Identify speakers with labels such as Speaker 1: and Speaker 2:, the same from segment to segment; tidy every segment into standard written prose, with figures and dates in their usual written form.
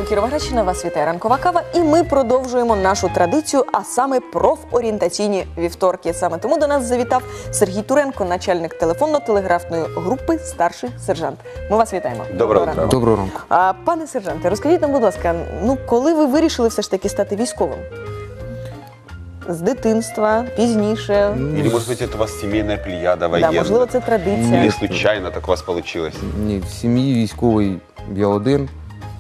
Speaker 1: Кіровоградщина, вас вітає ранкова кава, і ми продовжуємо нашу традицію, а саме профорієнтаційні вівторки. Саме тому до нас завітав Сергій Туренко, начальник телефонно-телеграфної групи «Старший сержант». Ми вас вітаємо.
Speaker 2: Доброго ранку.
Speaker 3: Доброго ранку.
Speaker 1: Пане сержанте, розкажіть нам, будь ласка, коли ви вирішили все ж таки стати військовим? З дитинства, пізніше?
Speaker 2: Или, может быть, это у вас семейная плеяда военная?
Speaker 1: Да, можливо, це традиція.
Speaker 2: Или случайно так у вас получилось?
Speaker 3: Ні, в сім'ї військовий я один.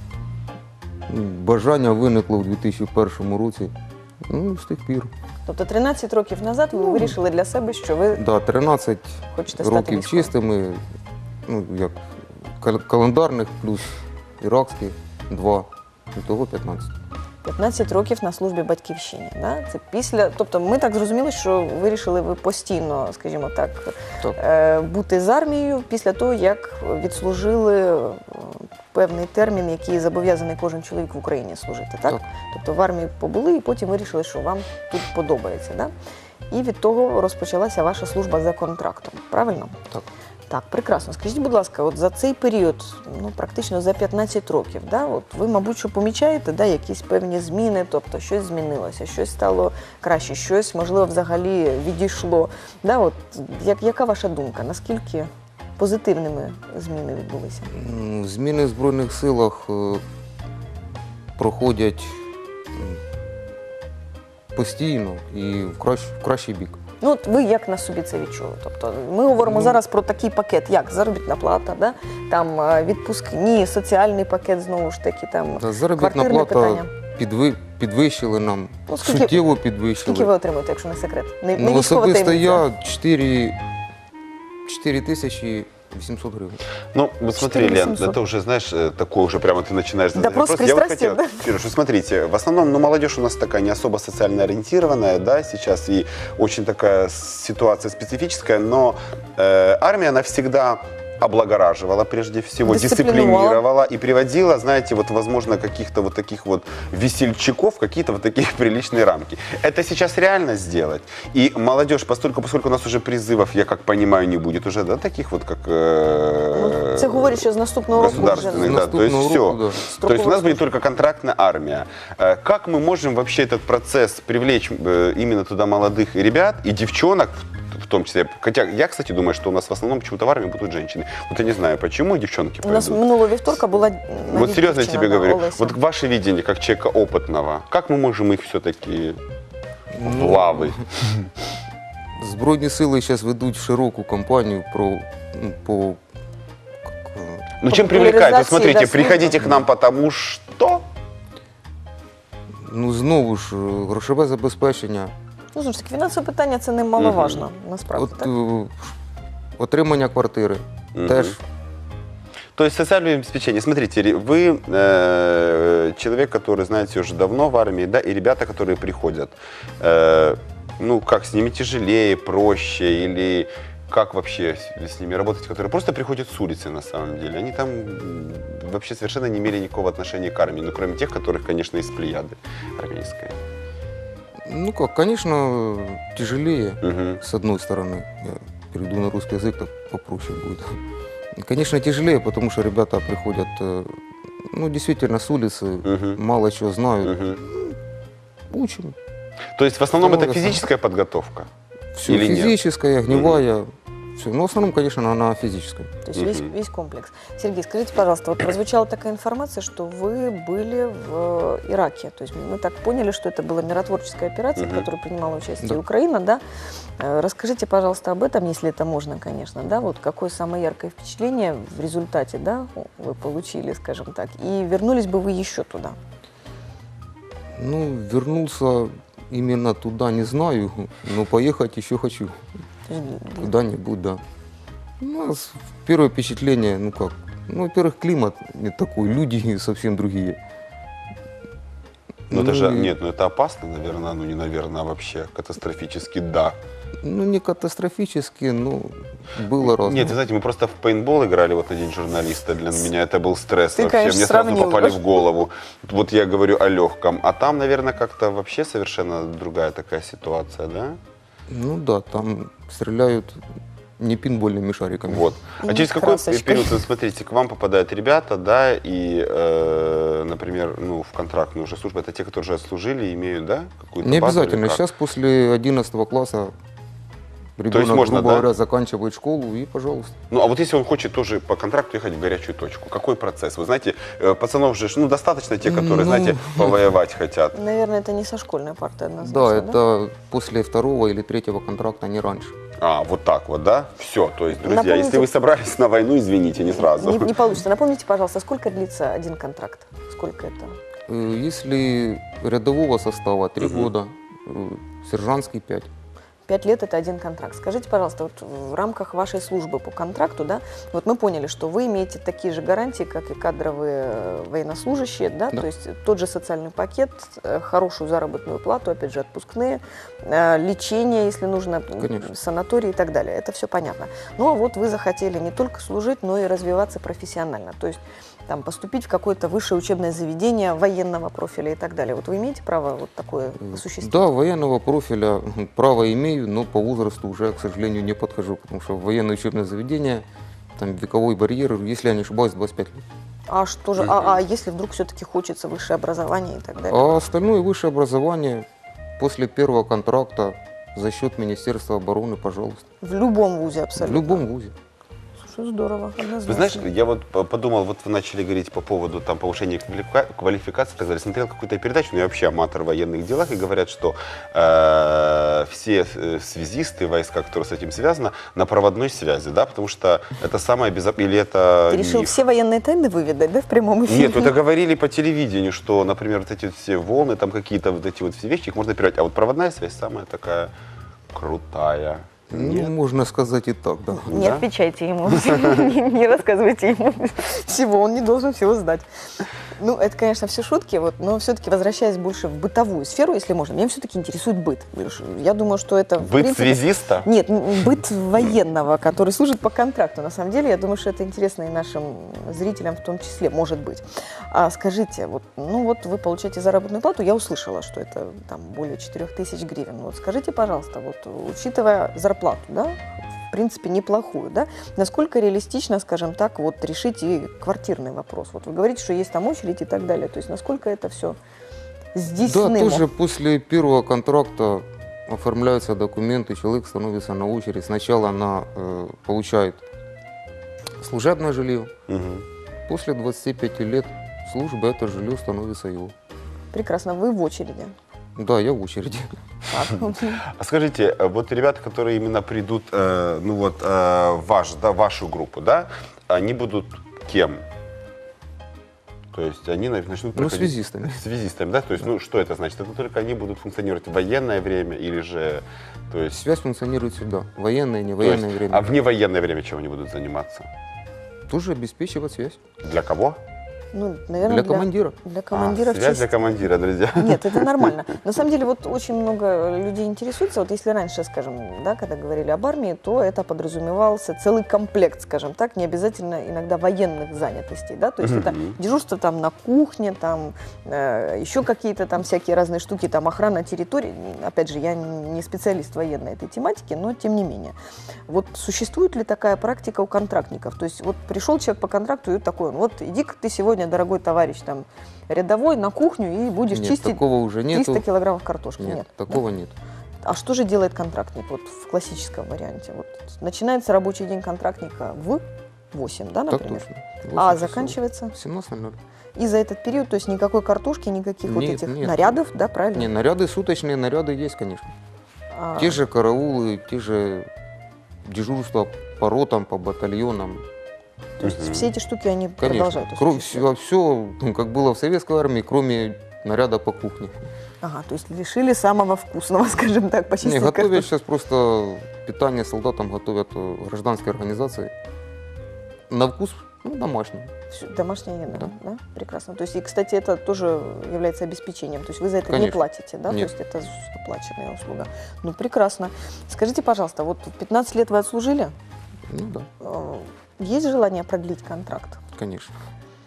Speaker 3: Бажання виникло в 2001 році. З тих пір.
Speaker 1: Тобто 13 років назад ви вирішили для себе, що ви
Speaker 3: 13
Speaker 1: хочете стати
Speaker 3: років
Speaker 1: військовим?
Speaker 3: чистими, як календарних, плюс іракських 2, того 15.
Speaker 1: 15 років на службі батьківщині. Да? Це після, тобто ми так зрозуміли, що вирішили ви постійно, скажімо так, бути з армією після того, як відслужили певний термін, який зобов'язаний кожен чоловік в Україні служити. Так? Тобто в армії побули і потім вирішили, що вам тут подобається. Да? І від того розпочалася ваша служба за контрактом. Правильно?
Speaker 3: Так.
Speaker 1: Так, прекрасно. Скажіть, будь ласка, от за цей період, практично за 15 років, от ви, мабуть, що помічаєте, якісь певні зміни, тобто щось змінилося, щось стало краще, щось, можливо, взагалі відійшло. Яка ваша думка? Наскільки позитивними зміни відбулися?
Speaker 3: Зміни в Збройних силах проходять постійно і в кращий бік.
Speaker 1: Ви як на собі це відчули? Тобто ми говоримо зараз про такий пакет, як заробітна плата, там відпускні, соціальний пакет, знову ж таки, там
Speaker 3: заробітна плата підвищили нам, суттєво підвищили.
Speaker 1: Скільки ви отримуєте, якщо не секрет?
Speaker 3: Особисто я 4800 гривен.
Speaker 2: Вот смотри, Лен, это уже, знаешь, такое уже прямо ты начинаешь задать вопрос.
Speaker 1: Я вот хотел,
Speaker 2: Кирюш, смотрите, в основном, молодежь у нас такая не особо социально ориентированная, да, сейчас, и очень такая ситуация специфическая, но армия, она всегда облагораживала, прежде всего, дисциплинировала и приводила, знаете, возможно, каких-то таких весельчаков в какие-то такие приличные рамки. Это сейчас реально сделать. И молодежь, поскольку у нас уже призывов, я как понимаю, не будет уже, таких как
Speaker 1: це говорить, що з наступного року
Speaker 2: государственных, да, то есть все. То есть у нас будет только контрактная армия. Как мы можем вообще этот процесс привлечь именно туда молодых ребят и девчонок, в том числе. Хотя я, кстати, думаю, что у нас в основном почему-то в армии будут женщины. Я не знаю, почему девчонки
Speaker 1: У нас минулого вівторка була
Speaker 2: серьезно я тебе говорю.
Speaker 1: Олеся.
Speaker 2: Ваше видение, как человека опытного, как мы можем их все-таки в лавы?
Speaker 3: Збройні сили зараз ведуть широку кампанію по
Speaker 2: чем привлекать? Смотрите, приходите к нам, потому что...
Speaker 3: Знову ж, грошове забезпечення.
Speaker 1: Знову ж таки, фінансове питання – це немаловажно, насправді, так?
Speaker 3: Отримання квартири теж.
Speaker 2: То есть социальное обеспечение. Смотрите, вы человек, который, знаете, уже давно в армии, да, и ребята, которые приходят, как с ними тяжелее, проще, или как вообще с ними работать, которые просто приходят с улицы на самом деле? Они там вообще совершенно не имели никакого отношения к армии, кроме тех, которых, конечно, из плеяды армейской.
Speaker 3: Конечно, тяжелее, с одной стороны. Я перейду на русский язык, так попроще будет. Конечно, тяжелее, потому что ребята приходят, действительно, с улицы, мало чего знают. Учим.
Speaker 2: То есть в основном это физическая подготовка?
Speaker 3: Все физическая, огневая. Все. В основном, конечно, она физическая.
Speaker 1: То есть весь комплекс. Сергей, скажите, пожалуйста, прозвучала такая информация, что вы были в Ираке. То есть мы так поняли, что это была миротворческая операция, в которой принимала участие Украина, да? Расскажите, пожалуйста, об этом, если это можно, конечно, да? Какое самое яркое впечатление в результате, да, вы получили, скажем так, и вернулись бы вы еще туда?
Speaker 3: Вернулся именно туда не знаю, но поехать еще хочу. Куда-нибудь, да. У нас первое впечатление, во-первых, климат не такой, люди совсем другие.
Speaker 2: Это опасно, наверное, не наверное, а вообще катастрофически, да.
Speaker 3: Не катастрофически, но было разное.
Speaker 2: Нет, вы знаете, мы просто в пейнтбол играли на День журналиста, для меня это был стресс
Speaker 1: Ты,
Speaker 2: вообще,
Speaker 1: конечно,
Speaker 2: мне сразу
Speaker 1: сравнил,
Speaker 2: попали в голову. Я говорю о легком, а там, наверное, как-то вообще совершенно другая такая ситуация, да?
Speaker 3: Да, там стреляют не пинбольными шариками.
Speaker 2: Вот.
Speaker 1: И
Speaker 2: А через какой
Speaker 1: красочкой.
Speaker 2: период, вот смотрите, к вам попадают ребята, да, и, например, ну, в контрактную уже службу, это те, которые уже отслужили, имеют, да, какую-то
Speaker 3: Не
Speaker 2: базу или
Speaker 3: обязательно.
Speaker 2: как?
Speaker 3: Сейчас после 11 класса ребенок,
Speaker 2: можно,
Speaker 3: грубо
Speaker 2: да?
Speaker 3: говоря, заканчивает школу и, пожалуйста.
Speaker 2: Ну, а вот если он хочет тоже по контракту ехать в горячую точку, какой процесс? Вы знаете, пацанов же, ну, достаточно те, которые,
Speaker 3: Ну,
Speaker 2: знаете, повоевать хотят.
Speaker 1: Наверное, это не со школьной парты
Speaker 3: Да,
Speaker 1: однозначно,
Speaker 3: это после 2-го или 3-го контракта, не раньше.
Speaker 2: А, вот так вот, да? Все, то есть, друзья,
Speaker 1: Напомните-
Speaker 2: если вы собрались на войну, извините, не сразу.
Speaker 1: Не получится. Напомните, пожалуйста, сколько длится один контракт? Сколько это?
Speaker 3: Если рядового состава 3
Speaker 2: Мгм.
Speaker 3: года, сержантский 5.
Speaker 1: 5 лет – это один контракт. Скажите, пожалуйста, вот в рамках вашей службы по контракту, да, вот мы поняли, что вы имеете такие же гарантии, как и кадровые военнослужащие, да,
Speaker 3: Да.
Speaker 1: то есть тот же социальный пакет, хорошую заработную плату, опять же, отпускные, лечение, если нужно,
Speaker 3: Конечно.
Speaker 1: санатории и так далее. Это все понятно. Ну, а вот вы захотели не только служить, но и развиваться профессионально, то есть там, поступить в какое-то высшее учебное заведение военного профиля и так далее. Вот вы имеете право вот такое осуществить?
Speaker 3: Да, военного профиля право имею, но по возрасту уже, к сожалению, не подхожу, потому что в военное учебное заведение, там вековой барьер, если я не ошибаюсь, 25 лет.
Speaker 1: А что же, а если вдруг все-таки хочется высшее образование и так далее?
Speaker 3: А остальное высшее образование после первого контракта за счет Министерства обороны, пожалуйста.
Speaker 1: В любом вузе
Speaker 3: В
Speaker 1: абсолютно.
Speaker 3: любом вузе.
Speaker 1: Слушай, здорово, однозначно.
Speaker 2: Вы знаешь, я вот подумал, вот вы начали говорить по поводу там повышения квалификации и так далее. Смотрел какую-то передачу, ну я вообще аматор в военных делах, и говорят, что все связисты, войска, которые с этим связаны, на проводной связи, да, потому что это самое безопасное, или это
Speaker 1: Ты решил
Speaker 2: миф?
Speaker 1: все военные тайны выведать, да, в прямом эфире?
Speaker 2: Нет, это говорили по телевидению, что, например, вот эти вот все волны, там какие-то вот эти вот все вещи, их можно передать. А вот проводная связь самая такая крутая.
Speaker 3: Ну, можно сказать и так, да.
Speaker 1: Не
Speaker 2: Да?
Speaker 1: отвечайте ему, не рассказывайте ему всего, он не должен всего знать. Ну, это, конечно, все шутки, вот, но все-таки возвращаясь больше в бытовую сферу, если можно, меня все-таки интересует быт. Я думаю, что это... в
Speaker 2: Быт
Speaker 1: принципе,
Speaker 2: связиста?
Speaker 1: Нет, быт военного, который служит по контракту. На самом деле, я думаю, что это интересно и нашим зрителям в том числе, может быть. А скажите, вот, ну вот вы получаете заработную плату, я услышала, что это там более 4000 гривен. Вот скажите, пожалуйста, вот учитывая зарплату, да, в принципе, неплохую, да, насколько реалистично, скажем так, вот решить и квартирный вопрос? Вот вы говорите, что есть там очередь и так далее, то есть насколько это все
Speaker 3: Да,
Speaker 1: здійснимо?
Speaker 3: тоже после первого контракта оформляются документы, человек становится на очередь. Сначала она получает служебное жилье,
Speaker 2: Мгм.
Speaker 3: после 25 лет службы это жилье становится его.
Speaker 1: Прекрасно, вы в очереди.
Speaker 3: Да, я в очереди.
Speaker 1: Так.
Speaker 2: А скажите, вот ребята, которые именно придут, ну вот, в вашу группу, да, они будут кем? То есть они начнут
Speaker 3: Ну,
Speaker 2: проходить-
Speaker 3: связистами.
Speaker 2: Связистами, да? То есть, ну, что это значит? Это только они будут функционировать в военное время или же, то есть...
Speaker 3: Связь функционирует всегда. Военное, не
Speaker 2: то есть,
Speaker 3: военное время.
Speaker 2: А в невоенное время чем они будут заниматься?
Speaker 3: Тоже обеспечивать связь.
Speaker 2: Для кого?
Speaker 1: Ну, наверное,
Speaker 3: Для командира.
Speaker 1: Для командира в
Speaker 2: связь
Speaker 1: честь-
Speaker 2: для командира, друзья.
Speaker 1: Нет, это нормально. На самом деле, вот очень много людей интересуется. Вот если раньше, скажем, да, когда говорили об армии, то это подразумевался целый комплект, скажем так, не обязательно иногда военных занятостей, да, то есть это дежурство там на кухне, там еще какие-то там всякие разные штуки, там охрана территории. Опять же, я не специалист военной этой тематики, но тем не менее. Вот существует ли такая практика у контрактников? То есть вот пришел человек по контракту и такой, вот иди-ка ты сегодня, дорогой товарищ, там, рядовой на кухню и будешь
Speaker 3: Нет,
Speaker 1: чистить
Speaker 3: такого уже
Speaker 1: 300
Speaker 3: нету.
Speaker 1: килограммов картошки.
Speaker 3: Нет,
Speaker 1: Нет.
Speaker 3: такого нет.
Speaker 1: А что же делает контрактник вот в классическом варианте? Вот начинается рабочий день контрактника в 8, да,
Speaker 3: Так
Speaker 1: например?
Speaker 3: точно.
Speaker 1: А
Speaker 3: 8 часов.
Speaker 1: заканчивается?
Speaker 3: 17:00.
Speaker 1: И за этот период, то есть никакой картошки, никаких вот
Speaker 3: Нет,
Speaker 1: этих
Speaker 3: нет.
Speaker 1: нарядов, да, правильно?
Speaker 3: Не, наряды суточные, наряды есть, конечно.
Speaker 1: А,
Speaker 3: Те же караулы, те же дежурства по ротам, по батальонам.
Speaker 1: то есть все эти штуки, они продолжают
Speaker 3: Конечно.
Speaker 1: осуществлять.
Speaker 3: Все, как было в советской армии, кроме наряда по кухне.
Speaker 1: Ага, то есть лишили самого вкусного, скажем так,
Speaker 3: Не,
Speaker 1: почистить
Speaker 3: готовят
Speaker 1: картошку.
Speaker 3: сейчас просто питание солдатам готовят гражданские организации. На вкус домашний.
Speaker 1: Всё, домашняя еда,
Speaker 3: Да.
Speaker 1: да. Прекрасно. То есть, и, кстати, это тоже является обеспечением. То есть вы за это не
Speaker 3: Конечно.
Speaker 1: платите, да?
Speaker 3: Нет.
Speaker 1: То есть это оплаченная услуга. Ну, прекрасно. Скажите, пожалуйста, вот 15 лет вы отслужили?
Speaker 3: Ну да,
Speaker 1: Есть желание продлить контракт?
Speaker 3: конечно.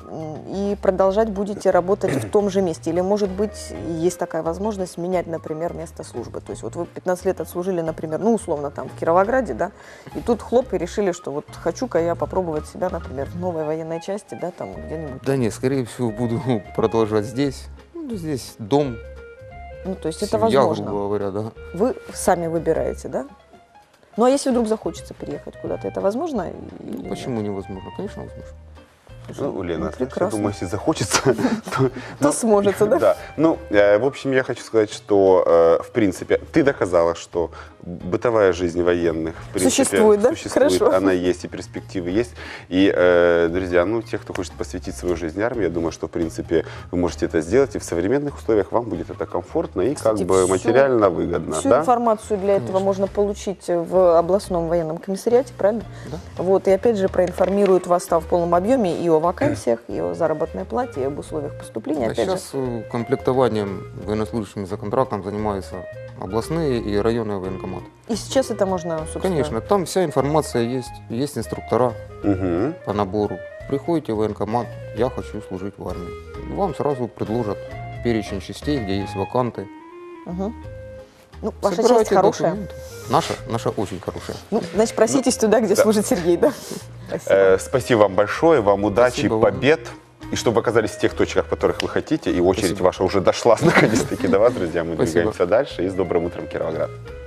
Speaker 1: и продолжать будете работать в том же месте? Или, может быть, есть такая возможность менять, например, место службы? То есть вот вы 15 лет отслужили, например, ну, условно, там, в Кировограде, да, и тут хлоп, и решили, что вот хочу-ка я попробовать себя, например, в новой военной части, да, там где-нибудь.
Speaker 3: Да нет, скорее всего, буду продолжать здесь. Ну, здесь дом,
Speaker 1: Ну, то есть это
Speaker 3: семья,
Speaker 1: возможно.
Speaker 3: грубо говоря, да.
Speaker 1: Вы сами выбираете, да? Ну, а если вдруг захочется переехать куда-то, это возможно? Или нет?
Speaker 3: Почему невозможно? Конечно, возможно.
Speaker 2: Ну, Лена, знаешь, я
Speaker 1: прекрасно.
Speaker 2: думаю, если захочется,
Speaker 1: То сможется, да?
Speaker 2: Да. Ну, в общем, я хочу сказать, что, в принципе, ты доказала, что бытовая жизнь военных, в принципе,
Speaker 1: Существует, да? Хорошо.
Speaker 2: она есть, и перспективы есть. И, друзья, ну, те, кто хочет посвятить свою жизнь армии, я думаю, что, в принципе, вы можете это сделать, и в современных условиях вам будет это комфортно и
Speaker 1: Кстати,
Speaker 2: как бы
Speaker 1: всю-
Speaker 2: материально выгодно,
Speaker 1: Всю
Speaker 2: да?
Speaker 1: информацию для этого можно получить в областном военном комиссариате, правильно?
Speaker 3: Да.
Speaker 1: Вот, и опять же проинформируют вас там в полном объеме и о вакансиях, и о заработной плате, и об условиях поступления.
Speaker 3: Да,
Speaker 1: Опять же,
Speaker 3: сейчас комплектованием военнослужащими за контрактом занимаются областные и районные военкоматы.
Speaker 1: и сейчас это можно, собственно...
Speaker 3: Конечно, там вся информация есть, есть инструктора
Speaker 2: Мгм.
Speaker 3: по набору. Приходите в военкомат, я хочу служить в армии. Вам сразу предложат перечень частей, где есть ваканты.
Speaker 1: Мгм. Ну, ваша
Speaker 3: Собирайте
Speaker 1: часть хорошая.
Speaker 3: документы. Наша очень хорошая.
Speaker 1: Ну, значит, проситесь туда, где
Speaker 2: да.
Speaker 1: служит Сергей, да? Спасибо.
Speaker 2: Спасибо вам большое, вам удачи,
Speaker 3: Спасибо вам.
Speaker 2: побед. И чтобы оказались в тех точках, в которых вы хотите, и очередь
Speaker 3: Спасибо.
Speaker 2: ваша уже дошла наконец-таки до вас, друзья. Мы
Speaker 3: Спасибо.
Speaker 2: двигаемся дальше. И с добрым утром, Кировоград.